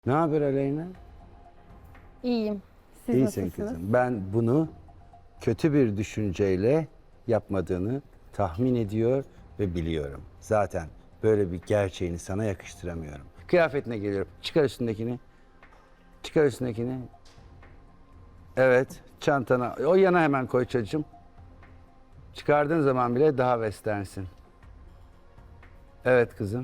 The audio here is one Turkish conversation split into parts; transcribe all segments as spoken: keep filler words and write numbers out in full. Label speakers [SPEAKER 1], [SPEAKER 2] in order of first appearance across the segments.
[SPEAKER 1] Ne haber Aleyna?
[SPEAKER 2] İyiyim. Siz
[SPEAKER 1] İyisin
[SPEAKER 2] nasılsınız?
[SPEAKER 1] kızım. Ben bunu kötü bir düşünceyle yapmadığını tahmin ediyor ve biliyorum. Zaten böyle bir gerçeğini sana yakıştıramıyorum. Kıyafetine geliyorum. Çıkar üstündekini. Çıkar üstündekini. Evet, çantana. O yana hemen koy çocuğum. Çıkardığın zaman bile daha westernsin. Evet kızım.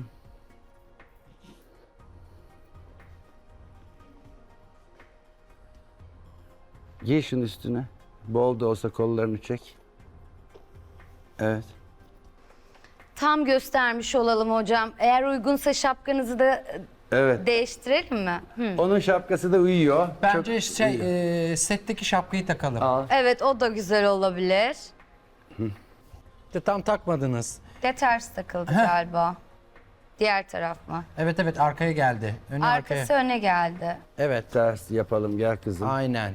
[SPEAKER 1] Giy şunun üstüne. Bol da olsa kollarını çek. Evet.
[SPEAKER 3] Tam göstermiş olalım hocam. Eğer uygunsa şapkanızı da
[SPEAKER 1] Evet.
[SPEAKER 3] değiştirelim mi? Hı.
[SPEAKER 1] Onun şapkası da uyuyor.
[SPEAKER 4] Bence
[SPEAKER 1] Çok
[SPEAKER 4] şey,
[SPEAKER 1] uyuyor.
[SPEAKER 4] e, setteki şapkayı takalım.
[SPEAKER 1] Al.
[SPEAKER 3] Evet, o da güzel olabilir.
[SPEAKER 4] De tam takmadınız.
[SPEAKER 3] De ters takıldı galiba. Diğer taraf mı?
[SPEAKER 4] Evet evet arkaya geldi. Önü
[SPEAKER 3] Arkası
[SPEAKER 4] arkaya.
[SPEAKER 3] öne geldi.
[SPEAKER 4] Evet.
[SPEAKER 1] Ters yapalım gel kızım.
[SPEAKER 4] Aynen.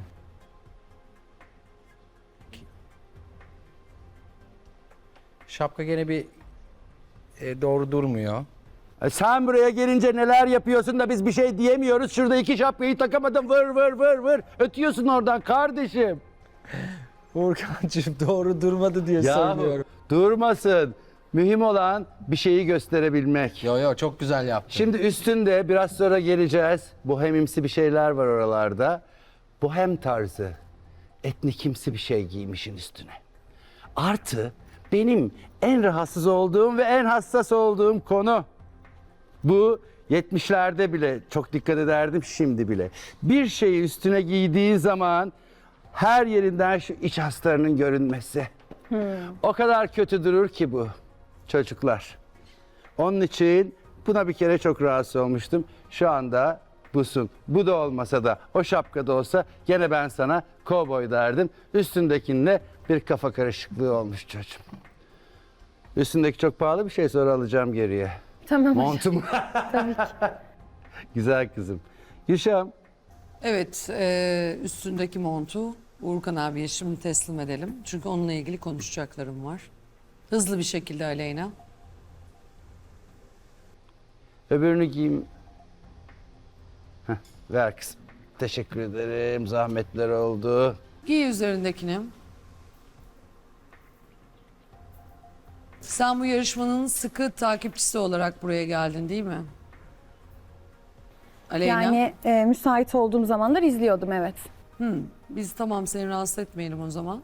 [SPEAKER 4] Şapka gene bir e, doğru durmuyor.
[SPEAKER 1] E sen buraya gelince neler yapıyorsun da biz bir şey diyemiyoruz. Şurada iki şapkayı takamadın vır vır vır vır. Ötüyorsun oradan kardeşim.
[SPEAKER 4] Furkancığım doğru durmadı diye
[SPEAKER 1] Yahu,
[SPEAKER 4] söylüyorum.
[SPEAKER 1] durmasın. Mühim olan bir şeyi gösterebilmek.
[SPEAKER 4] Yo yo çok güzel yaptın.
[SPEAKER 1] Şimdi üstünde biraz sonra geleceğiz. Bohemimsi bir şeyler var oralarda. Bohem tarzı, etnikimsi bir şey giymişin üstüne. Artı benim en rahatsız olduğum ve en hassas olduğum konu. Bu yetmişlerde bile çok dikkat ederdim, şimdi bile. Bir şeyi üstüne giydiği zaman her yerinden şu iç haslarının görünmesi. O kadar kötü durur ki bu çocuklar. Onun için buna bir kere çok rahatsız olmuştum. Şu anda busun. Bu da olmasa da o şapkada olsa gene ben sana kovboy derdim. Üstündekinle bir kafa karışıklığı olmuş çocuğum. Üstündeki çok pahalı bir şey, sonra alacağım geriye.
[SPEAKER 2] Tamam hocam.
[SPEAKER 1] Montum.
[SPEAKER 2] Tabii ki.
[SPEAKER 1] Güzel kızım. Gülşah'ım.
[SPEAKER 5] Evet, e, üstündeki montu Uğurkan abiye şimdi teslim edelim. Çünkü onunla ilgili konuşacaklarım var. Hızlı bir şekilde Aleyna.
[SPEAKER 1] Öbürünü giyeyim. Heh, ver kızım. Teşekkür ederim. Zahmetler oldu.
[SPEAKER 5] Giy üzerindekini. Sen bu yarışmanın sıkı takipçisi olarak buraya geldin değil mi? Aleyna.
[SPEAKER 2] Yani e, müsait olduğum zamanlar izliyordum, evet.
[SPEAKER 5] Hı, biz tamam seni rahatsız etmeyelim o zaman.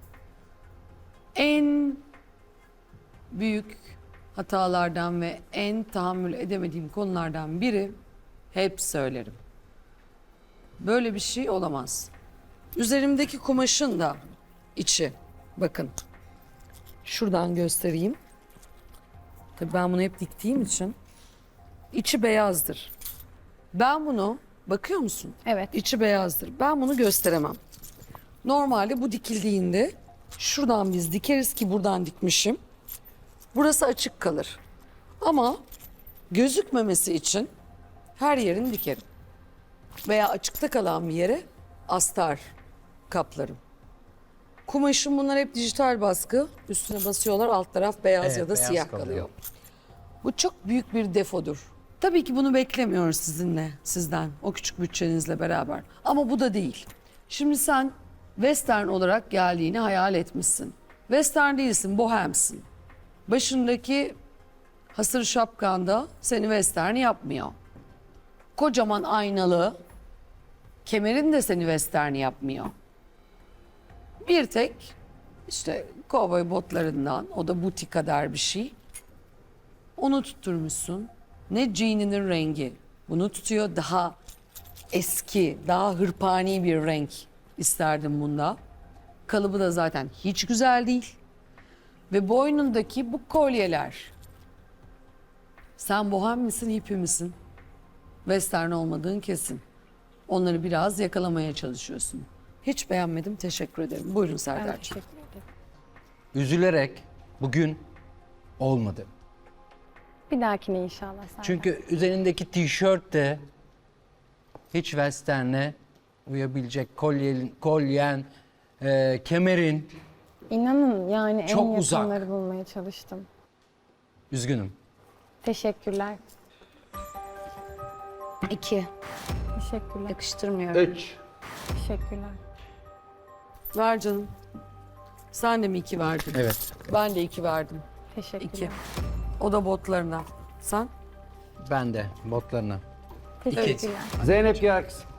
[SPEAKER 5] En büyük hatalardan ve en tahammül edemediğim konulardan biri, hep söylerim. Böyle bir şey olamaz. Üzerimdeki kumaşın da içi, bakın. Şuradan göstereyim. Tabii ben bunu hep diktiğim için içi beyazdır. Ben bunu, bakıyor musun?
[SPEAKER 2] Evet.
[SPEAKER 5] İçi beyazdır. Ben bunu gösteremem. Normalde bu dikildiğinde şuradan biz dikeriz ki buradan dikmişim. Burası açık kalır. Ama gözükmemesi için her yerini dikerim. Veya açıkta kalan bir yere astar kaplarım. Kumaşım bunlar hep dijital baskı. Üstüne basıyorlar, alt taraf beyaz
[SPEAKER 4] Evet,
[SPEAKER 5] ya da
[SPEAKER 4] beyaz
[SPEAKER 5] siyah
[SPEAKER 4] kalıyor.
[SPEAKER 5] kalıyor. Bu çok büyük bir defodur. Tabii ki bunu beklemiyoruz sizinle, sizden, o küçük bütçenizle beraber. Ama bu da değil. Şimdi sen western olarak geldiğini hayal etmişsin. Western değilsin, bohemsin. Başındaki hasır şapkanda seni western yapmıyor. Kocaman aynalı kemerin de seni western yapmıyor. Bir tek işte kovboy botlarından, o da butik kadar bir şey. Onu tutturmuşsun. Ne jeaninin rengi bunu tutuyor, daha eski, daha hırpani bir renk isterdim bunda. Kalıbı da zaten hiç güzel değil. Ve boynundaki bu kolyeler. Sen bohem misin, hippie misin? Western olmadığın kesin. Onları biraz yakalamaya çalışıyorsun. Hiç beğenmedim, teşekkür ederim. Buyurun
[SPEAKER 2] Ben
[SPEAKER 5] Serdar'cığım.
[SPEAKER 2] teşekkür ederim.
[SPEAKER 4] Üzülerek bugün olmadı.
[SPEAKER 2] Bir dahakine inşallah. Serdar.
[SPEAKER 4] Çünkü üzerindeki tişört de hiç western'e uyabilecek, kolyen, kolyen e, kemerin.
[SPEAKER 2] İnanın yani
[SPEAKER 4] Çok
[SPEAKER 2] en
[SPEAKER 4] uzak.
[SPEAKER 2] yakınları bulmaya çalıştım.
[SPEAKER 4] Üzgünüm.
[SPEAKER 2] Teşekkürler.
[SPEAKER 3] İki.
[SPEAKER 2] Teşekkürler.
[SPEAKER 3] Yakıştırmıyorum.
[SPEAKER 1] Üç.
[SPEAKER 2] Teşekkürler.
[SPEAKER 5] Ver canım. Sen de mi iki verdin?
[SPEAKER 4] Evet.
[SPEAKER 5] Ben de iki verdim.
[SPEAKER 2] Teşekkürler.
[SPEAKER 5] İki. O da botlarına. Sen?
[SPEAKER 4] Ben de botlarına.
[SPEAKER 2] Teşekkürler.
[SPEAKER 1] Zeynep Yarkız.